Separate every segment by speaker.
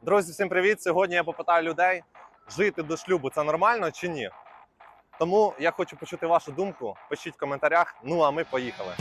Speaker 1: Друзі, всім привіт! Сьогодні я попитаю людей, жити до шлюбу – це нормально чи ні? Тому я хочу почути вашу думку. Пишіть в коментарях. Ну а ми поїхали.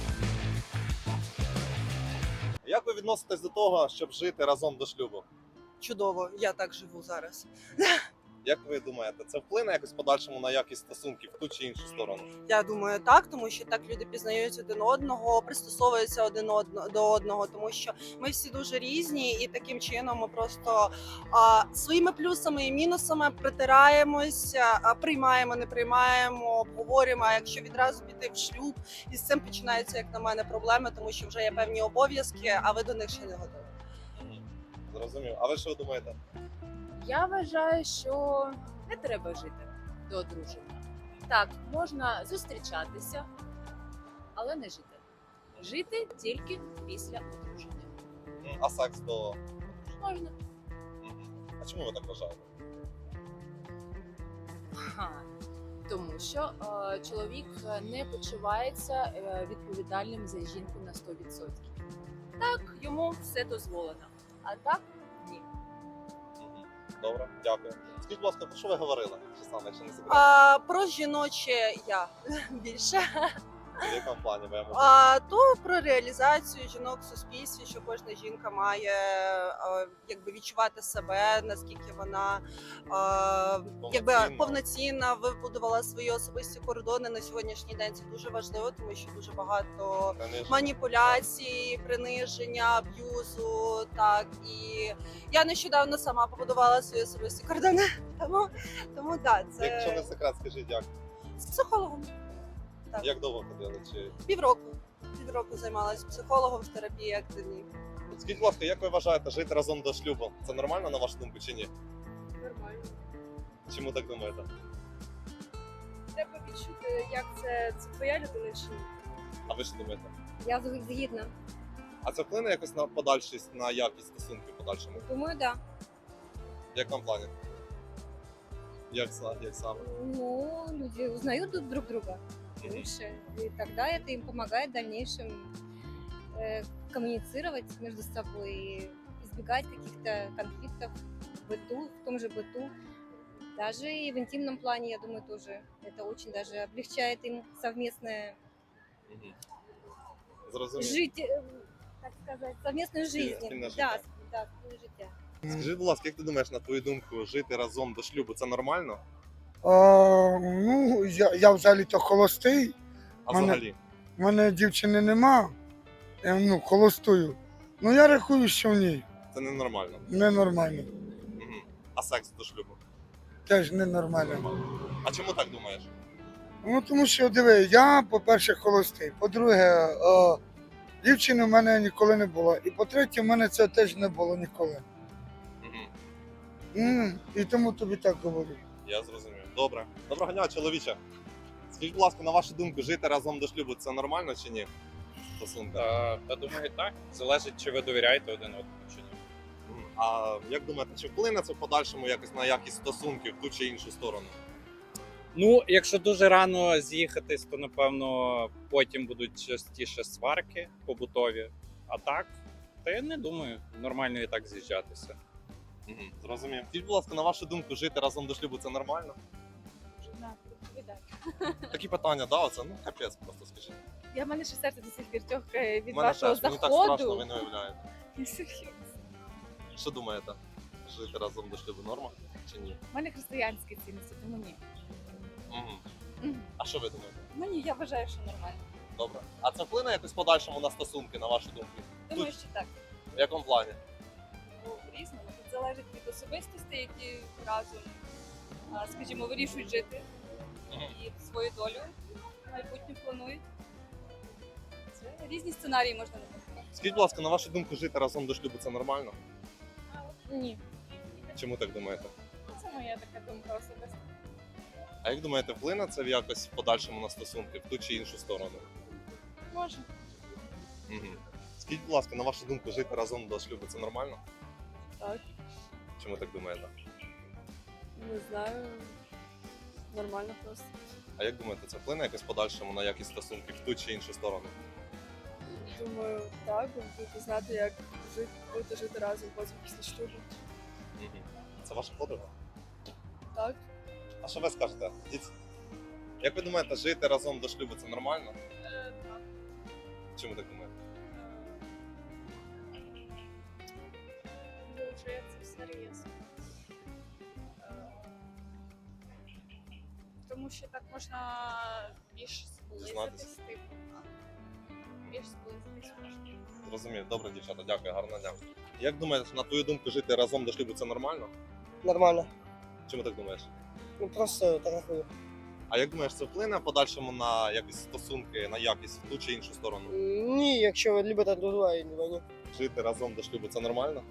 Speaker 1: Як ви відноситесь до того, щоб жити разом до шлюбу?
Speaker 2: Чудово, я так живу зараз.
Speaker 1: Як ви думаєте, це вплине якось в подальшому на якість стосунків в ту чи іншу сторону?
Speaker 2: Я думаю, так, тому що так люди пізнають один одного, пристосовуються до одного, тому що ми всі дуже різні, і таким чином ми просто своїми плюсами і мінусами притираємося, приймаємо, не приймаємо, обговорюємо. А якщо відразу піти в шлюб, і з цим починаються, як на мене, проблеми, тому що вже є певні обов'язки, а ви до них ще не готові.
Speaker 1: Зрозумів. А ви що думаєте?
Speaker 3: Я вважаю, що не треба жити до одруження. Так, можна зустрічатися, але не жити. Жити тільки після одруження.
Speaker 1: А секс до...
Speaker 3: Можна.
Speaker 1: А чому ви так вважаєте?
Speaker 3: Тому що чоловік не почувається відповідальним за жінку на 100%. Так, йому все дозволено. А так ні.
Speaker 1: Добре, дякую. Скажіть, будь ласка, про що ви говорили? Чи саме, якщо не секрет?
Speaker 2: Про жіноче я більше.
Speaker 1: В якому плані ви можете?
Speaker 2: То про реалізацію жінок в суспільстві, що кожна жінка має якби відчувати себе, наскільки вона якби повноцінна, вибудувала свої особисті кордони на сьогоднішній день. Це дуже важливо, тому що дуже багато маніпуляцій, приниження, аб'юзу. Так, і я нещодавно сама побудувала свої особисті кордони. Тому да, це
Speaker 1: Якщо не секрет, скажіть, як?
Speaker 2: з психологом. Так.
Speaker 1: Як довго ходили? Чи...
Speaker 2: Півроку займалася психологом в терапії активній.
Speaker 1: Скажіть, будь ласка, як ви вважаєте, жити разом до шлюбу? Це нормально, на вашу думку, чи ні?
Speaker 4: Нормально.
Speaker 1: Чому так думаєте?
Speaker 4: Треба відчути, як це твоя людина чи ні.
Speaker 1: А ви що думаєте?
Speaker 5: Я згідна.
Speaker 1: А це вплине якось на подальшість, на якість стосунків в подальшому?
Speaker 5: Думаю, да.
Speaker 1: В якому плані? Як саме?
Speaker 5: Ну, люди узнают друг друга лучше. И тогда это им помогает в дальнейшем коммуницировать между собой и избегать каких-то конфликтов в быту, в том же быту. Даже и в интимном плане, я думаю, тоже это очень даже облегчает им совместное
Speaker 1: Зрозуміло.
Speaker 5: жить, так сказать, совместную жизнь.
Speaker 1: Спільне
Speaker 5: Да,
Speaker 1: життя.
Speaker 5: да, спільне життя.
Speaker 1: Скажіть, будь ласка, як ти думаєш, на твою думку, жити разом до шлюбу – це нормально?
Speaker 6: Ну, я взагалі-то холостий.
Speaker 1: А
Speaker 6: Мене-
Speaker 1: взагалі?
Speaker 6: У мене дівчини нема. Я холостую. Ну я рахую, що в ній
Speaker 1: Це ненормально.
Speaker 6: ненормально.
Speaker 1: А секс до шлюбу?
Speaker 6: Теж ненормально.
Speaker 1: А чому так думаєш?
Speaker 6: Ну тому що диви, я, по-перше, холостий. По-друге, дівчини в мене ніколи не було. І по-третє, в мене це теж не було ніколи. І тому тобі так говорю.
Speaker 1: Я зрозумів. Добре. Доброго дня, чоловіче. Скажіть, будь ласка, на вашу думку, жити разом до шлюбу – це нормально чи ні? Стосунки.
Speaker 7: Та думаю, так. Залежить, чи ви довіряєте один одному чи ні.
Speaker 1: А як думаєте, чи вплине це в подальшому якось на якість стосунків в ту чи іншу сторону?
Speaker 7: Ну, якщо дуже рано з'їхатись, то напевно потім будуть частіше сварки побутові. А так, та я не думаю, нормально і так з'їжджатися.
Speaker 1: Зрозумів. Скажіть, будь ласка, на вашу думку, жити разом до шлюбу – це нормально? Такі питання, да, оце, ну капець просто скажіть.
Speaker 4: В мене ще серце до сих пір тьохкає від
Speaker 1: У мене
Speaker 4: вашого
Speaker 1: теж, мені так страшно, ви
Speaker 4: заходу.
Speaker 1: не уявляєте. Що думаєте? Жити разом до шлюбу норма чи ні?
Speaker 4: У мене християнські цінності, тому ні.
Speaker 1: А що ви думаєте?
Speaker 4: Ну ні, я вважаю, що нормально.
Speaker 1: Добре. А це вплине якось в подальшому на стосунки, на вашу думку?
Speaker 4: Думаю, що так.
Speaker 1: В якому плані?
Speaker 4: Ну, різному. Тут залежить від особистостей, які разом, скажімо, вирішують жити і свою долю майбутнє планують. Це різні сценарії можна написати.
Speaker 1: Скажіть, будь ласка, на вашу думку, жити разом до шлюбу – це нормально?
Speaker 4: Ні.
Speaker 1: Чому так думаєте?
Speaker 4: Це моя така думка особиста.
Speaker 1: А як думаєте, вплине це якось в подальшому на стосунки, в ту чи іншу сторону?
Speaker 4: Може.
Speaker 1: Скажіть, будь ласка, на вашу думку, жити разом до шлюбу – це нормально?
Speaker 4: Так.
Speaker 1: Чому так думаєте?
Speaker 4: Не знаю. Нормально просто.
Speaker 1: А як думаєте, це вплине якось в подальшому на якість стосунків в ту чи іншу сторону?
Speaker 4: Думаю, так, бо будете знати, як бути жити разом потім після шлюбу.
Speaker 1: Це ваша подруга?
Speaker 4: Так.
Speaker 1: А що ви скажете? Як ви думаєте, жити разом до шлюбу це нормально?
Speaker 4: Так.
Speaker 1: Чому так думаєте?
Speaker 4: Дуже це серйозно. Тому що так можна більш
Speaker 1: Дізнатися.
Speaker 4: зблизитись, типу. Більш зблизитись можна.
Speaker 1: Зрозумів. Добре, дівчата, дякую, гарного дня. Як думаєш, на твою думку, жити разом до шлюбу це нормально?
Speaker 8: Нормально.
Speaker 1: Чому так думаєш?
Speaker 8: Ну просто так рахую.
Speaker 1: А як думаєш, це вплине в подальшому на якісь стосунки, на якість в ту чи іншу сторону?
Speaker 8: Ні, якщо ви любите друг друга і не ні.
Speaker 1: Жити разом до шлюбу це нормально?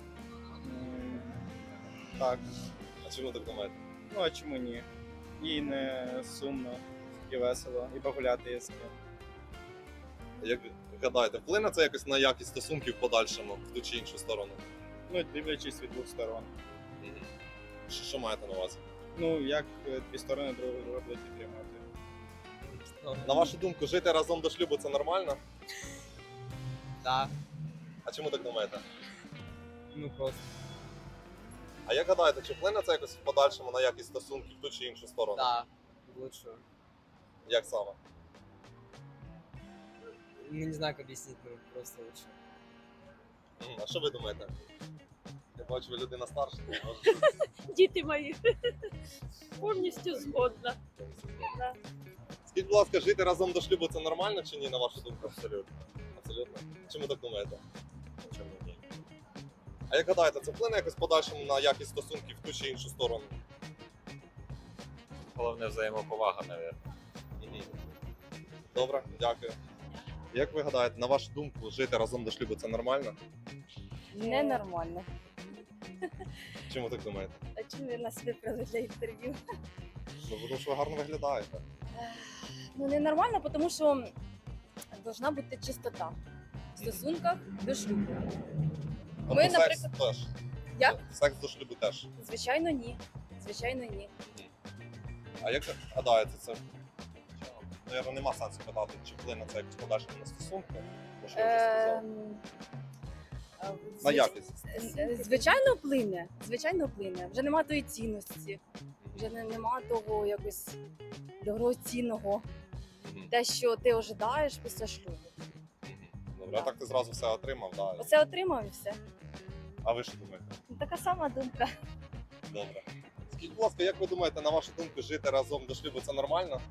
Speaker 9: Так.
Speaker 1: А чому так думаєте?
Speaker 9: Ну а чому ні? Їй не сумно і весело, і погуляти є з ким.
Speaker 1: Як гадаєте, вплине це якось на якість стосунків в подальшому в ту чи іншу сторону?
Speaker 9: Ну, дивлячись від двох сторон.
Speaker 1: Що маєте на увазі?
Speaker 9: Ну, як дві сторони друг друга будуть підтримувати.
Speaker 1: На вашу думку, жити разом до шлюбу це нормально?
Speaker 8: Так.
Speaker 1: А чому так думаєте?
Speaker 8: Ну просто.
Speaker 1: А як гадаєте, чи вплине це якось в подальшому на якість стосунків в ту чи іншу сторону?
Speaker 8: Так. Лучше.
Speaker 1: Як саме?
Speaker 8: Ну не знаю, как объяснить, ну просто лучше.
Speaker 1: А що ви думаєте? Я бачу, ви людина старша.
Speaker 10: Діти мої, повністю згодна. Да.
Speaker 1: Скажіть, будь ласка, жити разом до шлюбу це нормально чи ні, на вашу думку? Абсолютно. Абсолютно. Чому так думаєте? Чому ні? А як гадаєте, це вплине якось в подальшому на якість стосунків в ту чи іншу сторону?
Speaker 11: Головне взаємоповага, мабуть.
Speaker 1: Добре, дякую. Як ви гадаєте, на вашу думку, жити разом до шлюбу це нормально?
Speaker 5: Ненормально.
Speaker 1: Чому так думаєте?
Speaker 5: А чому ви нас вибрали для інтерв'ю?
Speaker 1: Ну, тому що ви гарно виглядаєте.
Speaker 5: Ну ненормально, тому що должна бути чистота в стосунках до шлюбу.
Speaker 1: Тобто
Speaker 5: Ми,
Speaker 1: секс
Speaker 5: наприклад,
Speaker 1: теж.
Speaker 5: Як?
Speaker 1: Секс до шлюбу теж.
Speaker 5: Звичайно, ні. Звичайно, ні.
Speaker 1: А як гадаєте, це? Наверно, нема сенсу питати, чи вплине це якось подальшому на стосунки? Бо що я вже сказав. На якість.
Speaker 5: Звичайно, вплине. Звичайно, вплине. Вже нема тої цінності, вже нема того якось дорогоцінного, те, що ти ожидаєш після шлюбу.
Speaker 1: Добре, а так ти зразу все отримав, да.
Speaker 5: Оце отримав і все.
Speaker 1: А ви що думаєте?
Speaker 5: Така сама думка.
Speaker 1: Добре. Скажіть, будь ласка, як ви думаєте, на вашу думку, жити разом до шлюбу це нормально?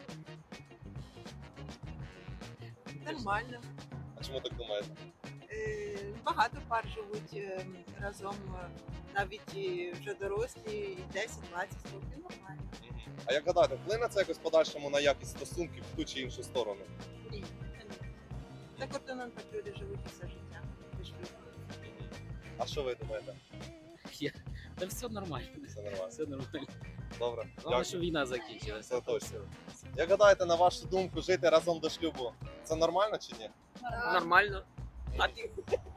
Speaker 12: Нормально.
Speaker 1: А чому так думаєте?
Speaker 12: Багато пар живуть разом, навіть і вже дорослі, і 10-20 років нормально.
Speaker 1: А як гадаєте, вплине це якось в подальшому на якість стосунків в ту чи іншу сторону?
Speaker 12: Ні. За кордоном так люди живуть все життя. без шлюбу.
Speaker 1: А що ви думаєте?
Speaker 13: Та все нормально.
Speaker 1: Все нормально.
Speaker 13: Все нормально.
Speaker 1: Добре.
Speaker 13: Головне, що війна закінчилася.
Speaker 1: Це точно. Як гадаєте, на вашу думку, жити разом до шлюбу це нормально чи ні?
Speaker 13: Нормально. А ти?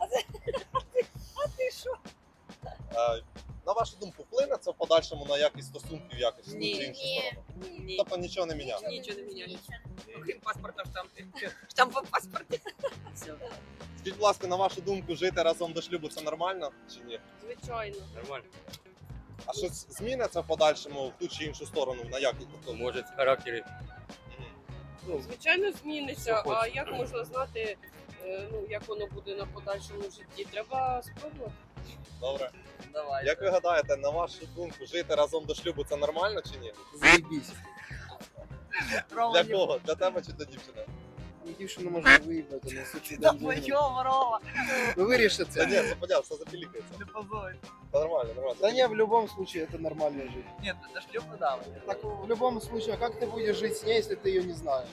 Speaker 12: А ти що?
Speaker 1: На вашу думку, вплине це в подальшому на якість стосунків якось в ту
Speaker 12: Ні.
Speaker 1: чи іншу сторону?
Speaker 13: Ні.
Speaker 1: Тобто нічого не міняє.
Speaker 13: Нічого не міняється. Окрім паспорта штампи. Штамп в паспорті. Все.
Speaker 1: Скажіть, будь ласка, на вашу думку, жити разом до шлюбу це нормально чи ні?
Speaker 13: Звичайно. Нормально.
Speaker 1: А щось зміниться в подальшому в ту чи іншу сторону на якість? Тобто,
Speaker 13: Може, в характері.
Speaker 10: Звичайно, зміниться.
Speaker 1: Що
Speaker 10: А
Speaker 1: хочеш.
Speaker 10: як можна знати, як воно буде на подальшому житті? Треба спробувати.
Speaker 1: Добре.
Speaker 13: Давай.
Speaker 1: Як ви гадаєте, на вашу думку, жити разом до шлюбу це нормально чи ні?
Speaker 8: Заебись.
Speaker 1: Для кого? Для тебе чи для дівчини?
Speaker 8: Дівчину можна виїбати, на случай
Speaker 12: Рова.
Speaker 8: Ну виріши
Speaker 1: Та
Speaker 8: це.
Speaker 1: ні, це понятно, все запілікається.
Speaker 12: Не позорь.
Speaker 1: Та нормально, нормально.
Speaker 8: Да не, в любом случае это нормальная жизнь.
Speaker 12: Ні, до шлюбу да.
Speaker 8: Так в любом случае, а как ты будешь жить с ней, если ты ее не знаешь?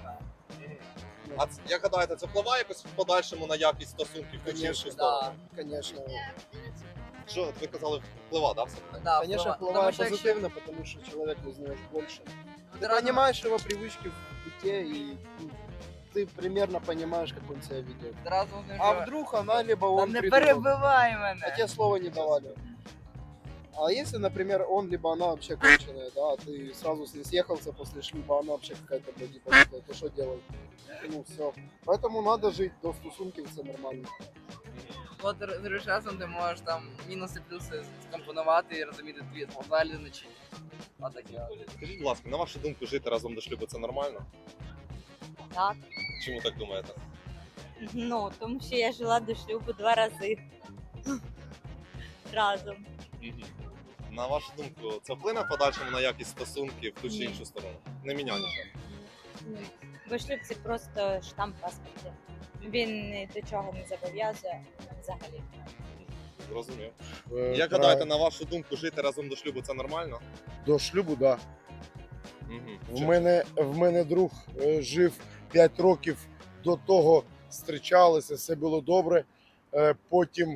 Speaker 1: А як гадаєте, це впливає якось в подальшому на якість стосунків в ту чи іншу сторону?
Speaker 8: Конечно.
Speaker 1: Що, от ви казали, впливає, да, все?
Speaker 12: Да,
Speaker 8: Конечно,
Speaker 12: впливає.
Speaker 8: впливает
Speaker 12: Тому що
Speaker 8: позитивно, потому что человека узнаешь больше. Ты понимаешь его привычки в быте, и ты примерно понимаешь, как он себя ведет. А вдруг она, либо он
Speaker 12: не
Speaker 8: придумал,
Speaker 12: перебивай
Speaker 8: а
Speaker 12: мене.
Speaker 8: тебе слова не давали. А если, например, он либо она вообще конченая, да, ты сразу с ней съехался после шлюба, она вообще какая-то блядь, то что делать? Ну все. Поэтому надо жить до стосунків, все нормально.
Speaker 13: Коли ти живеш разом, ти можеш там мінуси, плюси скомпонувати і розуміти, твій одна людина чи ні. Отаке.
Speaker 1: Скажіть, будь ласка, на вашу думку, жити разом до шлюбу це нормально?
Speaker 5: Так.
Speaker 1: Чому так думаєте?
Speaker 5: Ну, тому що я жила до шлюбу 2 рази. Разом.
Speaker 1: На вашу думку, це вплине в подальшому на якість стосунків в ту чи
Speaker 5: Ні.
Speaker 1: іншу сторону? Не міняє нічого.
Speaker 5: Бо шлюб це просто штамп в паспорті. Він ні до чого не зобов'язує взагалі.
Speaker 1: Зрозумів. Як гадаєте, на вашу думку, жити разом до шлюбу це нормально?
Speaker 14: До шлюбу, так.
Speaker 1: Угу.
Speaker 14: В мене друг жив 5 років до того, зустрічалися, все було добре. Потім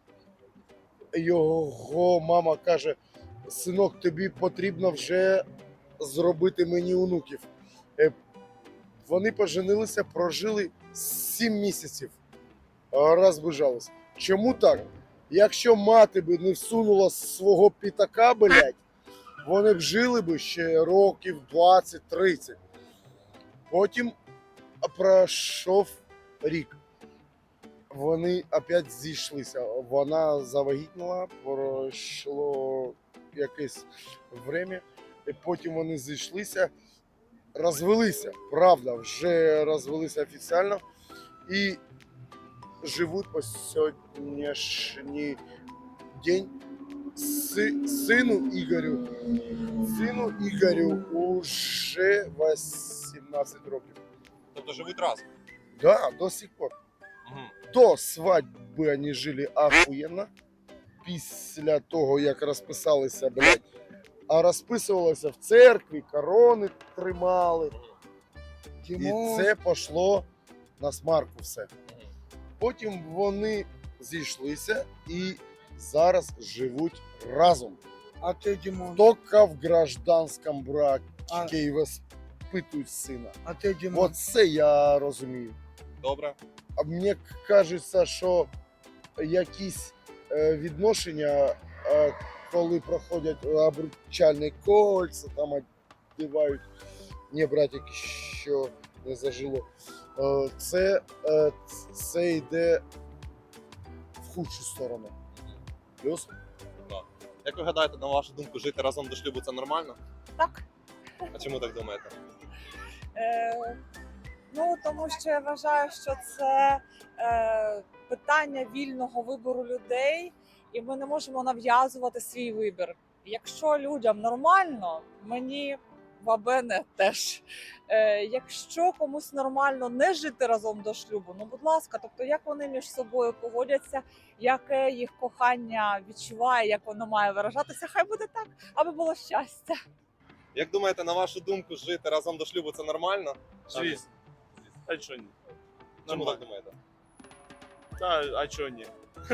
Speaker 14: його мама каже: синок, тобі потрібно вже зробити мені онуків. Вони поженилися, прожили 7 місяців, розбіжались. Чому так? Якщо мати би не всунула свого пітака, блядь, вони б жили би ще років 20-30. Потім пройшов рік. Вони опять зійшлися. Вона завагітніла, пройшло якесь время, і потім вони зійшлися, розвелися, правда, вже розвелися офіційно і живуть по сьогоднішній день. Сину Ігорю уже 18 років.
Speaker 1: Тобто живуть разом?
Speaker 14: Да, до сих пор.
Speaker 1: Угу.
Speaker 14: До свадьби вони жили ахуєнно. Після того, як розписалися, блядь, а розписувалися в церкві, корони тримали. І це пішло на смарку все. Потім вони зійшлися і зараз живуть разом.
Speaker 6: А ти, Дімон?
Speaker 14: Тільки в гражданському бракі і воспитують сина.
Speaker 6: А ти, Дімон?
Speaker 14: Оце я розумію.
Speaker 1: Добре.
Speaker 14: А мені кажеться, що якісь відношення, коли проходять обручальні кольця, там одягають, ні, братик, що не зажило, це йде в худшу сторону. Плюс?
Speaker 1: Да. Як ви гадаєте, на вашу думку, жити разом до шлюбу це нормально?
Speaker 15: Так.
Speaker 1: А чому так думаєте?
Speaker 15: Ну, тому що я вважаю, що це питання вільного вибору людей, і ми не можемо нав'язувати свій вибір. Якщо людям нормально, мені вабене теж. Якщо комусь нормально не жити разом до шлюбу, ну, будь ласка, тобто як вони між собою поводяться, яке їх кохання відчуває, як воно має виражатися, хай буде так, аби було щастя.
Speaker 1: Як думаєте, на вашу думку, жити разом до шлюбу це нормально?
Speaker 9: Звісно. А чого ні?
Speaker 1: Чому так думаєте?
Speaker 9: А чого ні?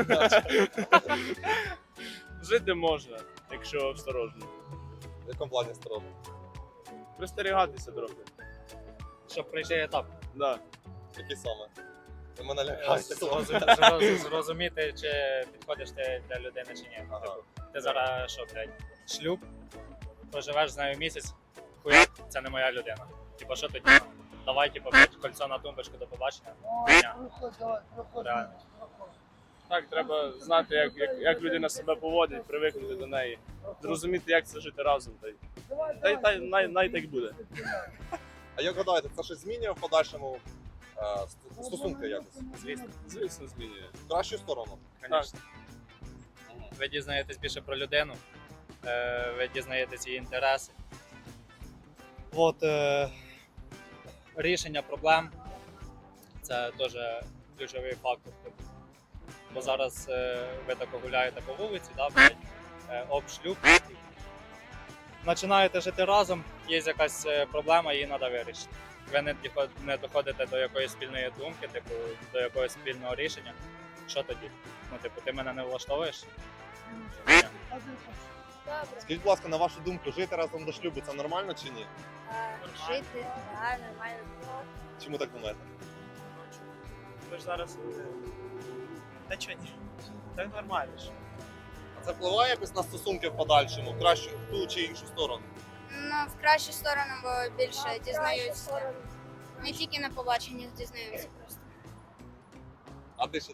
Speaker 9: Жити можна, якщо осторожно.
Speaker 1: В якому плані осторожно?
Speaker 9: Пристерігатися трохи.
Speaker 7: Щоб пройти етап.
Speaker 9: Да.
Speaker 1: Які саме? Ви мене лякаєте.
Speaker 7: Зрозуміти, чи підходиш ти для людини, чи ні.
Speaker 1: Ага.
Speaker 7: Ти зараз що, блядь, шлюб, проживеш з нею місяць, хуяк, це не моя людина. Типа, що тоді? Давай, типу, блядь, кольцо на тумбочку, до побачення. Реально.
Speaker 9: Так, треба знати, як людина себе поводить, привикнути до неї, зрозуміти, як це жити разом. Най так буде.
Speaker 1: А як гадаєте, це щось змінює в подальшому стосунки якось?
Speaker 9: Звісно, змінює.
Speaker 1: В кращу сторону?
Speaker 7: Звісно. Ви дізнаєтесь більше про людину, ви дізнаєтесь її інтереси. От, рішення проблем – це теж ключовий фактор. Бо зараз ви так гуляєте по вулиці, да, блядь, об шлюб. Починаєте жити разом, є якась проблема, її треба вирішити. Ви не доходите до якоїсь спільної думки, типу, до якогось спільного рішення. Що тоді? Ну, типу, ти мене не влаштовуєш? Ні.
Speaker 1: Скажіть, будь ласка, на вашу думку, жити разом до шлюбу це нормально чи ні?
Speaker 5: Жити, да, нормально.
Speaker 1: Чому так думаєте?
Speaker 9: Ви ж зараз... Та чого ні? Так нормально ж.
Speaker 1: А це впливає якось на стосунки в подальшому, в кращу, в ту чи іншу сторону?
Speaker 5: Ну, в кращу сторону, бо більше дізнаються. Не тільки на побаченнях дізнаються просто.
Speaker 1: А ти що думаєш?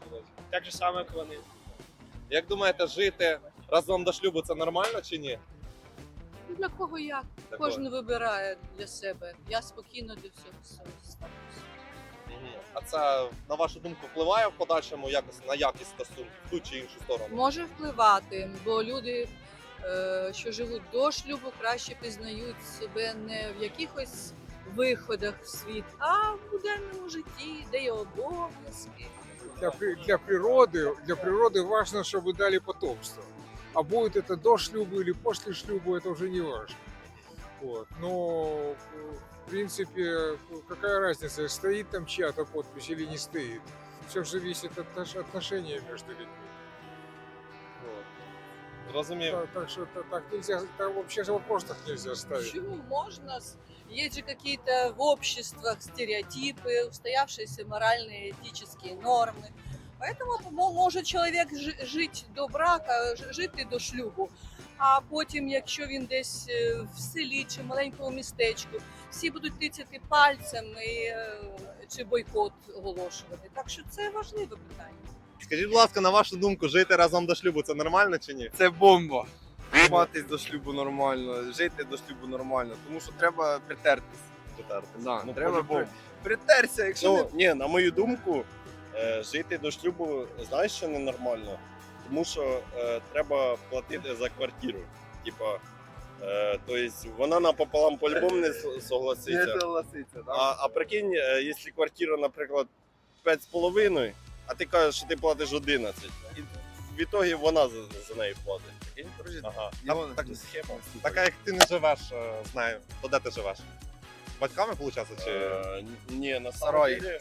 Speaker 9: Так же само, як вони.
Speaker 1: Як думаєте, жити разом до шлюбу це нормально чи ні?
Speaker 16: Для кого як?
Speaker 1: Для
Speaker 16: Кожен вибирає для себе. Я спокійно до всього ставлюся.
Speaker 1: А це, на вашу думку, впливає в подальшому якось на якість стосунків в ту чи іншу сторону?
Speaker 16: Може впливати, бо люди, що живуть до шлюбу, краще пізнають себе не в якихось виходах в світ, а в буденному житті, де є обов'язки.
Speaker 17: Для природы важно, чтобы дали потомство. А будет это до шлюба или после шлюба, это уже не важно. Вот. Но, в принципе, какая разница, стоит там чья-то подпись или не стоит. Все зависит от отношения между людьми. Вот.
Speaker 1: Зрозумів.
Speaker 17: Так что так нельзя, так вообще же вопрос так нельзя ставить.
Speaker 16: Почему можно? Есть же какие-то в обществах стереотипы, устоявшиеся моральные, этические нормы. Поэтому може чоловік жити до брака, жити до шлюбу. А потім, якщо він десь в селі чи маленькому містечку, всі будуть тицяти пальцем чи бойкот оголошувати. Так що це важливе питання.
Speaker 1: Скажіть, будь ласка, на вашу думку, жити разом до шлюбу це нормально чи ні?
Speaker 8: Це бомба. Матись до шлюбу нормально, жити до шлюбу нормально, тому що треба притертись. Да,
Speaker 1: Ну,
Speaker 8: треба
Speaker 1: по-любому.
Speaker 8: притерся, якщо не...
Speaker 18: Ні, на мою думку, жити до шлюбу, знаєш, що ненормально? Тому що треба платити за квартиру. Типа, тобто вона напополам по-любому не согласиться.
Speaker 8: Не согласиться, да.
Speaker 18: А прикинь, якщо квартира, наприклад, 5,5, а ти кажеш, що ти платиш 11. І в ітогі вона за неї платить. Прикинь?
Speaker 1: Ага.
Speaker 18: Його
Speaker 1: Так,
Speaker 18: схема.
Speaker 1: така як ти не живеш з нею, то де ти живеш? З батьками, виходить, чи?
Speaker 18: Ні, на
Speaker 8: Сараї.
Speaker 18: самом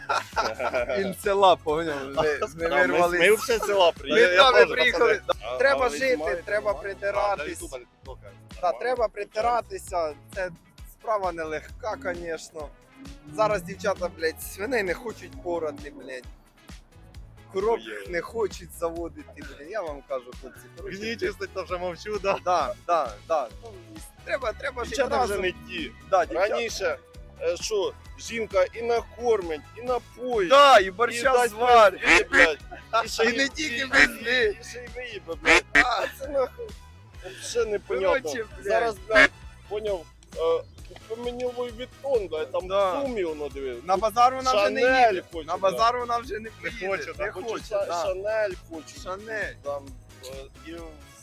Speaker 8: Він села, поняв? Ми вирвались.
Speaker 18: Ми все села
Speaker 8: Ми
Speaker 18: приїхали.
Speaker 8: там приїхали.
Speaker 18: А
Speaker 8: Треба
Speaker 18: ви
Speaker 8: жити,
Speaker 18: знімаєте?
Speaker 8: треба
Speaker 1: Для
Speaker 8: притиратись.
Speaker 1: Ютуба, для тіктока.
Speaker 8: Та треба притиратися. Це справа нелегка, звісно. Зараз дівчата, блядь, свиней не хочуть порати, блядь. Коров не хочуть заводити, блядь. Я вам кажу, хлопці. коротше,
Speaker 1: Мені чистить, то вже мовчу, да?
Speaker 8: Да. Ну, треба жити
Speaker 18: Дівчата вже
Speaker 8: разом.
Speaker 18: не ті.
Speaker 8: Да, дівчата.
Speaker 18: Раніше, що, жінка і накормить, і напоїть.
Speaker 8: Да, і
Speaker 18: і
Speaker 8: борща
Speaker 18: дасть
Speaker 8: зварить.
Speaker 18: пиздити, блядь. ще
Speaker 8: І не тільки пизди.
Speaker 18: І ще й виїбе, блядь. А, це нахуй. Ще непонятно.
Speaker 8: Короче, блядь.
Speaker 18: Зараз, блядь, поняв, мені Луї Віттон, блядь, там
Speaker 8: Да.
Speaker 18: сумі воно диви.
Speaker 8: На базар вона вже не
Speaker 18: Шанель
Speaker 8: їде.
Speaker 18: хоче,
Speaker 8: На
Speaker 18: да.
Speaker 8: базар вона вже не поїде.
Speaker 18: Хочу,
Speaker 8: Не
Speaker 18: хочу,
Speaker 8: хоче, да.
Speaker 18: Шанель хочу.
Speaker 8: Шанель.
Speaker 18: Там, і,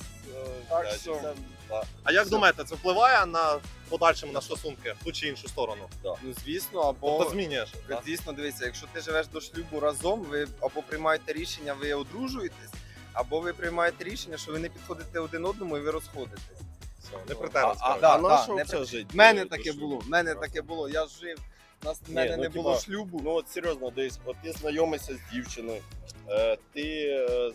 Speaker 8: Так
Speaker 18: блядь,
Speaker 8: що-
Speaker 18: це, да.
Speaker 1: А як думаєте, це впливає на подальшому на стосунки в ту чи іншу сторону?
Speaker 8: Ну звісно, або
Speaker 1: Тобто змінюєш? да?
Speaker 8: звісно, дивіться, якщо ти живеш до шлюбу разом, ви або приймаєте рішення, ви одружуєтесь, або ви приймаєте рішення, що ви не підходите один одному і ви розходитесь.
Speaker 1: Все, не притерлись.
Speaker 18: А
Speaker 1: коротше.
Speaker 18: на що
Speaker 8: не
Speaker 18: взагалі жити?
Speaker 8: В мене
Speaker 18: до
Speaker 8: таке
Speaker 18: шлюбу?
Speaker 8: було. В мене таке було. Я жив. В мене
Speaker 18: ну,
Speaker 8: не було
Speaker 18: типа,
Speaker 8: шлюбу.
Speaker 18: Ну от серйозно, десь, от ти знайомишся з дівчиною, ти,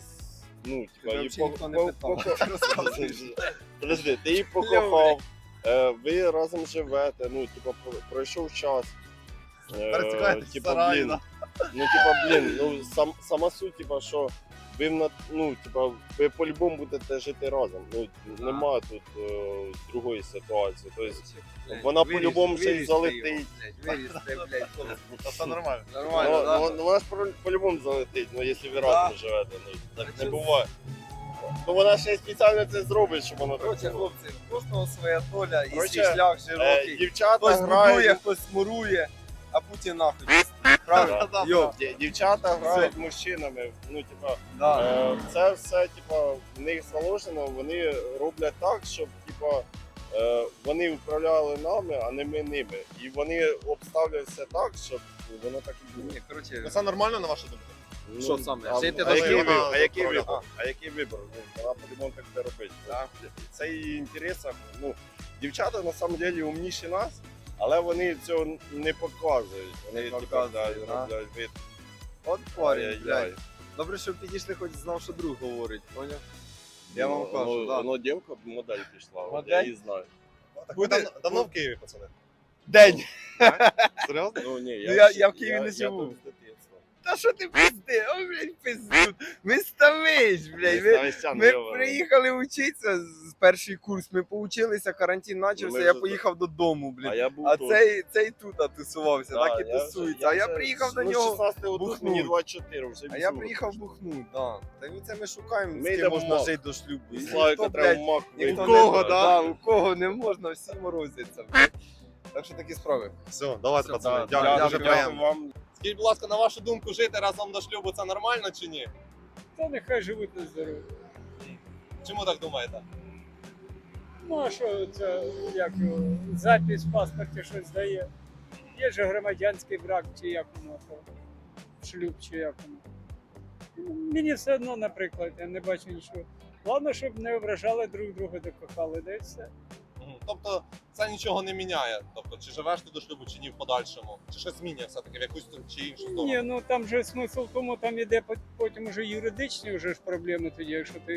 Speaker 18: ну, типа,
Speaker 8: Тебе
Speaker 18: її
Speaker 8: взагалі ніхто не питав.
Speaker 18: Подожди, ти її покохав, ви разом живете, ну, типа, пройшов час.
Speaker 1: Перецікаєтесь в
Speaker 18: Типа,
Speaker 1: сараї,
Speaker 18: блін,
Speaker 1: да?
Speaker 18: ну, типа, блін, ну, сама суть, типа, що ви, ну, типа, ви по-любому будете жити разом. Ну, нема тут другої ситуації. Тобто, вона по-любому ще й залетить.
Speaker 8: Вирісти, блядь.
Speaker 1: Та це нормально.
Speaker 8: Нормально, да?
Speaker 18: Ну, вона ж по-любому залетить, ну, якщо ви разом живете. Ну, так не буває. Ну, вона ще й спеціально це зробить, щоб воно так
Speaker 8: Коротше,
Speaker 18: було.
Speaker 8: хлопці, у кожного своя доля і свій
Speaker 18: Коротше,
Speaker 8: шлях широкий.
Speaker 18: Дівчата
Speaker 8: Хтось будує,
Speaker 18: грають,
Speaker 8: хтось мурує, а Путін нахуй. Правильно? Йо.
Speaker 18: дівчата грають мужчинами. Ну, типа,
Speaker 8: Да.
Speaker 18: це все, типа, в них заложено, вони роблять так, щоб, типа, вони управляли нами, а не ми ними. І вони обставлять все так, щоб воно так і було.
Speaker 8: Ні, коротше,
Speaker 1: Ну, це нормально, на вашу думку?
Speaker 18: Ну,
Speaker 8: Що саме?
Speaker 18: А,
Speaker 8: Жити
Speaker 18: а,
Speaker 8: до
Speaker 18: який
Speaker 8: шлюбу?
Speaker 18: вибір? А який
Speaker 1: Правильно.
Speaker 18: вибір? А який вибір? Ну, вона по-любому так це робить. Це її інтересах. Ну, дівчата на самом деле умніші нас, але вони цього не показують. Вони
Speaker 8: Не
Speaker 18: типа,
Speaker 8: показують, да.
Speaker 18: роблять вид.
Speaker 8: От парень,
Speaker 18: Ай-яй-яй.
Speaker 8: блядь. Добре, що підійшли, хоч знав, що друг говорить, поняв? Я
Speaker 18: Ну,
Speaker 8: вам кажу,
Speaker 18: ну,
Speaker 8: да.
Speaker 18: ну, дівка модель пішла, от
Speaker 8: Модель?
Speaker 18: я її знаю.
Speaker 1: Так ви давно в Києві, пацани?
Speaker 8: День.
Speaker 1: Серйозно?
Speaker 18: Ну, ні,
Speaker 8: Я в Києві не живу.
Speaker 18: тут з дитинства.
Speaker 8: Та що ти пизди? Ой, блядь, пиздут. Ми ставиш, блядь. Ми приїхали вчитися з перший курс. Ми поучилися, карантин почався,
Speaker 18: Ми
Speaker 8: я
Speaker 18: вже
Speaker 8: поїхав додому, блін.
Speaker 18: А я був
Speaker 8: А
Speaker 18: тут.
Speaker 8: цей тут тусувався,
Speaker 18: Да,
Speaker 8: так і
Speaker 18: я
Speaker 8: тусується. А я
Speaker 18: вже-
Speaker 8: приїхав до
Speaker 18: ну,
Speaker 8: нього
Speaker 18: 16-го тут, мені
Speaker 8: бухнуть.
Speaker 18: 24, вже
Speaker 8: А я
Speaker 18: візьму.
Speaker 8: приїхав бухнуть, да. Та й це ми шукаємо,
Speaker 18: Ми
Speaker 8: з ким
Speaker 18: йдемо
Speaker 8: можна
Speaker 18: в МАК.
Speaker 8: жити до шлюбу. І
Speaker 18: Славіка
Speaker 8: ніхто,
Speaker 18: треба
Speaker 8: блядь,
Speaker 18: в МАК
Speaker 8: ніхто
Speaker 18: вийти.
Speaker 8: не-
Speaker 18: У кого, да?
Speaker 8: у кого не можна, всі морозяться, блядь. Так що такі справи.
Speaker 1: Все, давайте,
Speaker 8: Все,
Speaker 1: пацани.
Speaker 8: да,
Speaker 1: Дякую, дуже
Speaker 8: дякую
Speaker 1: приємно.
Speaker 18: вам.
Speaker 1: Скажіть, будь ласка, на вашу думку, жити разом до шлюбу це нормально чи ні?
Speaker 19: Та нехай живуть на здоров'я.
Speaker 1: Чому так думаєте?
Speaker 19: Ну а що це, як його, запис в паспорті щось дає? Є же громадянський брак, чи як воно то, шлюб, чи як воно. Ну, мені все одно, наприклад, я не бачу нічого. Головне, щоб не ображали друг друга, де кохали, де і все.
Speaker 1: Тобто це нічого не міняє. Тобто, чи живеш ти до шлюбу, чи ні в подальшому, чи щось змінює все-таки в якусь чи іншу сторону.
Speaker 19: Ні, ну там же смисл в тому, там іде потім уже юридичні вже ж проблеми тоді,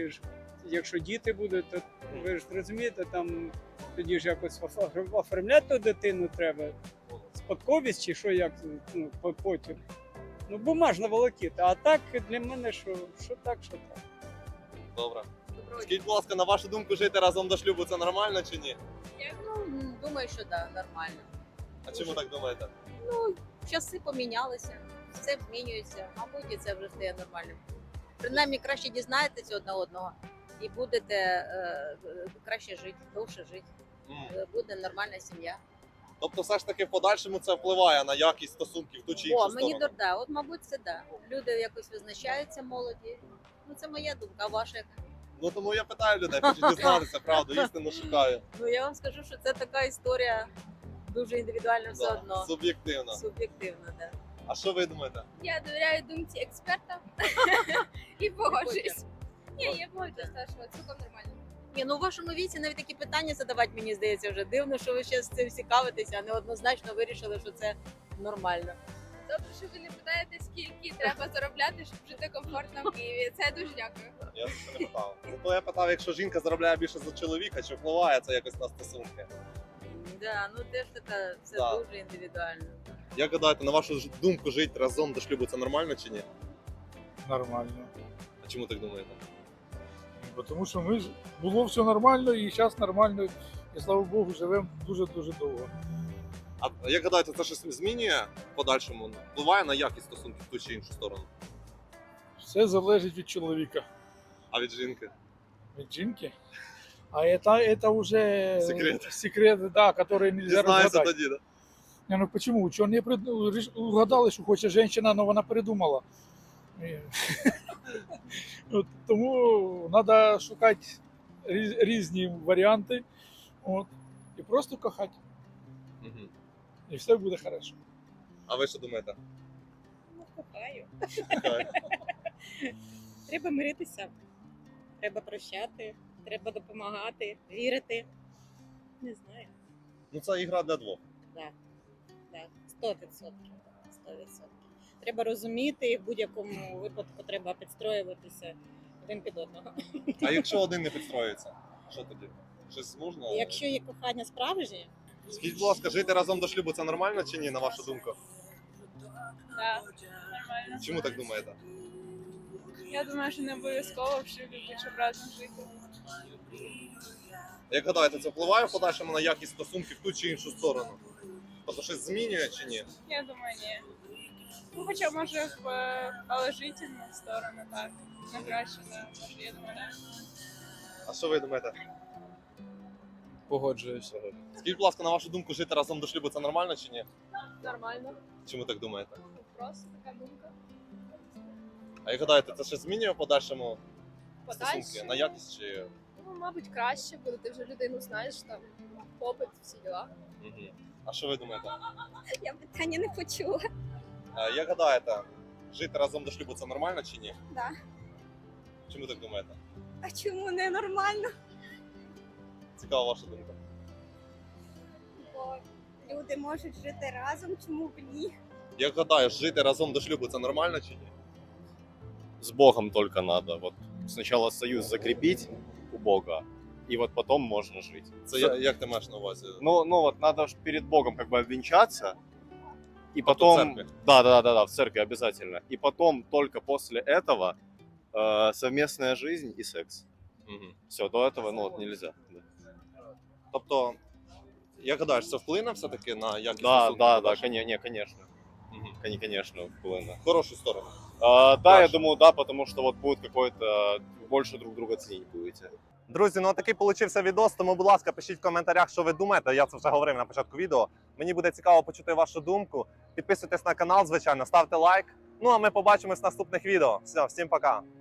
Speaker 19: якщо діти будуть, то ви ж розумієте, там тоді ж якось оформляти ту дитину треба, спадковість чи що, як ну, потім. Ну, бумажна волокіта, а так для мене що так, що так.
Speaker 1: Добре. Скажіть, будь ласка, на вашу думку, жити разом до шлюбу це нормально чи ні?
Speaker 3: Я думаю, що да, нормально.
Speaker 1: А чому так думаєте?
Speaker 3: Ну, часи помінялися, все змінюється, мабуть, і це вже стає нормальним. Принаймні краще дізнаєтеся одне одного і будете краще жити, довше жити. Буде нормальна сім'я.
Speaker 1: Тобто, все ж таки в подальшому це впливає на якість стосунків в ту чи іншу
Speaker 3: О, мені
Speaker 1: сторону.
Speaker 3: да, от мабуть, це да. Люди якось визначаються молоді. Ну це моя думка, а ваша яка?
Speaker 1: Ну тому я питаю людей, хочу дізнатися, правду, істину шукаю.
Speaker 3: Ну я вам скажу, що це така історія дуже індивідуальна все
Speaker 1: Да,
Speaker 3: одно.
Speaker 1: суб'єктивно.
Speaker 3: Суб'єктивно, да.
Speaker 1: А що ви думаєте?
Speaker 4: Я довіряю думці експерта і погоджуюсь. Ні, я погоджуюсь, що цілком нормально.
Speaker 3: Ні, ну у вашому віці навіть такі питання задавати, мені здається, вже дивно, що ви ще з цим цікавитеся, а не однозначно вирішили, що це нормально.
Speaker 4: Добре, що ви не питаєте, скільки треба заробляти, щоб жити комфортно в Києві. Це я дуже дякую.
Speaker 1: Я це не питав. Зато я питав, якщо жінка заробляє більше за чоловіка, чи впливає це якось на стосунки?
Speaker 3: Да, ну теж така, це
Speaker 1: Да.
Speaker 3: дуже індивідуально.
Speaker 1: Як гадаєте, на вашу думку, жити разом до шлюбу це нормально чи ні?
Speaker 14: Нормально.
Speaker 1: А чому так думаєте?
Speaker 14: Бо тому що було все нормально і зараз нормально. І слава Богу, живемо дуже-дуже довго.
Speaker 1: А як гадаєте, це щось змінює в подальшому? Впливає на якість стосунків в ту чи іншу сторону?
Speaker 14: Все залежить від чоловіка.
Speaker 1: А від жінки?
Speaker 14: Від жінки? А это уже
Speaker 1: Секрет.
Speaker 14: да, который нельзя
Speaker 1: Дізнається
Speaker 14: разгадать.
Speaker 1: тоді, да?
Speaker 14: Не, ну почему? Чего не угадали, що хоче жінка, але вона передумала. От, тому треба шукати різні варіанти і просто кохати.
Speaker 1: Мгм.
Speaker 14: І все буде хорошо.
Speaker 1: А ви що думаєте?
Speaker 20: Кохаю.
Speaker 1: Кохаю.
Speaker 20: Треба миритися, треба прощати, треба допомагати, вірити. Не знаю.
Speaker 1: Ну це ігра для двох.
Speaker 20: Так, так, 100%. 100%. Треба розуміти, і в будь-якому випадку треба підстроюватися один під одного.
Speaker 1: А якщо один не підстроюється, що тоді? Щось можна?
Speaker 20: Якщо є кохання справжнє,
Speaker 1: Скажіть, будь ласка, жити разом до шлюбу це нормально чи ні, на вашу думку?
Speaker 4: Так, нормально.
Speaker 1: Чому так думаєте?
Speaker 4: Я думаю, що не обов'язково в шлюбі бути, щоб разом жити.
Speaker 1: Як гадаєте, це впливає в подальшому на якість стосунків в ту чи іншу сторону? Тобто щось змінює чи ні?
Speaker 4: Я думаю, ні. Ну, хоча може в положительну сторону, так. На краще, да. Може, я думаю, так.
Speaker 1: А що ви думаєте?
Speaker 9: Погоджуюся.
Speaker 1: Скажіть, будь ласка, на вашу думку, жити разом до шлюбу це нормально чи ні?
Speaker 4: Нормально.
Speaker 1: Чому так думаєте?
Speaker 4: Просто така думка.
Speaker 1: А як гадаєте, це щось змінює в подальшому
Speaker 4: Подальшому?
Speaker 1: стосунки? На якість чи.
Speaker 4: Ну, мабуть, краще, бо ти вже людину знаєш, там, попит, всі діла.
Speaker 1: Мгм. А що ви думаєте?
Speaker 5: Я питання не почула.
Speaker 1: А як гадаєте, жити разом до шлюбу це нормально чи ні?
Speaker 5: Да.
Speaker 1: Чому так думаєте?
Speaker 5: А чому не нормально?
Speaker 1: Цікава ваша думка.
Speaker 5: Бо люди можуть жити разом, чому б ні?
Speaker 1: Як гадаєш, жити разом до шлюбу це нормально чи ні?
Speaker 18: С Богом только надо. Вот сначала союз закрепить у Бога, и вот потом можно жить.
Speaker 1: Це як ти маєш на увазі?
Speaker 18: Ну вот надо ж перед Богом как бы обвенчаться, и
Speaker 1: в
Speaker 18: потом...
Speaker 1: церкви?
Speaker 18: Да, в церкви обязательно. И потом только после этого совместная жизнь и секс.
Speaker 11: Все, до этого, ну, вот нельзя. Да.
Speaker 1: Тобто, як гадаєш, це вплине все-таки на якість
Speaker 11: Да,
Speaker 1: стосунків
Speaker 11: да, да,
Speaker 1: ваших?
Speaker 11: конечно. Конечно, вплыне.
Speaker 1: В хорошу сторону.
Speaker 11: Да, я думаю, да, потому что вот будет какой-то, больше друг друга ценить будете.
Speaker 1: Друзі, ну такий получився відос, тому, будь ласка, пишіть в коментарях, що ви думаєте. Я це вже говорив на початку відео. Мені буде цікаво почути вашу думку. Підписуйтесь на канал, звичайно, ставте лайк. Ну а ми побачимось в наступних відео. Все, всім пока.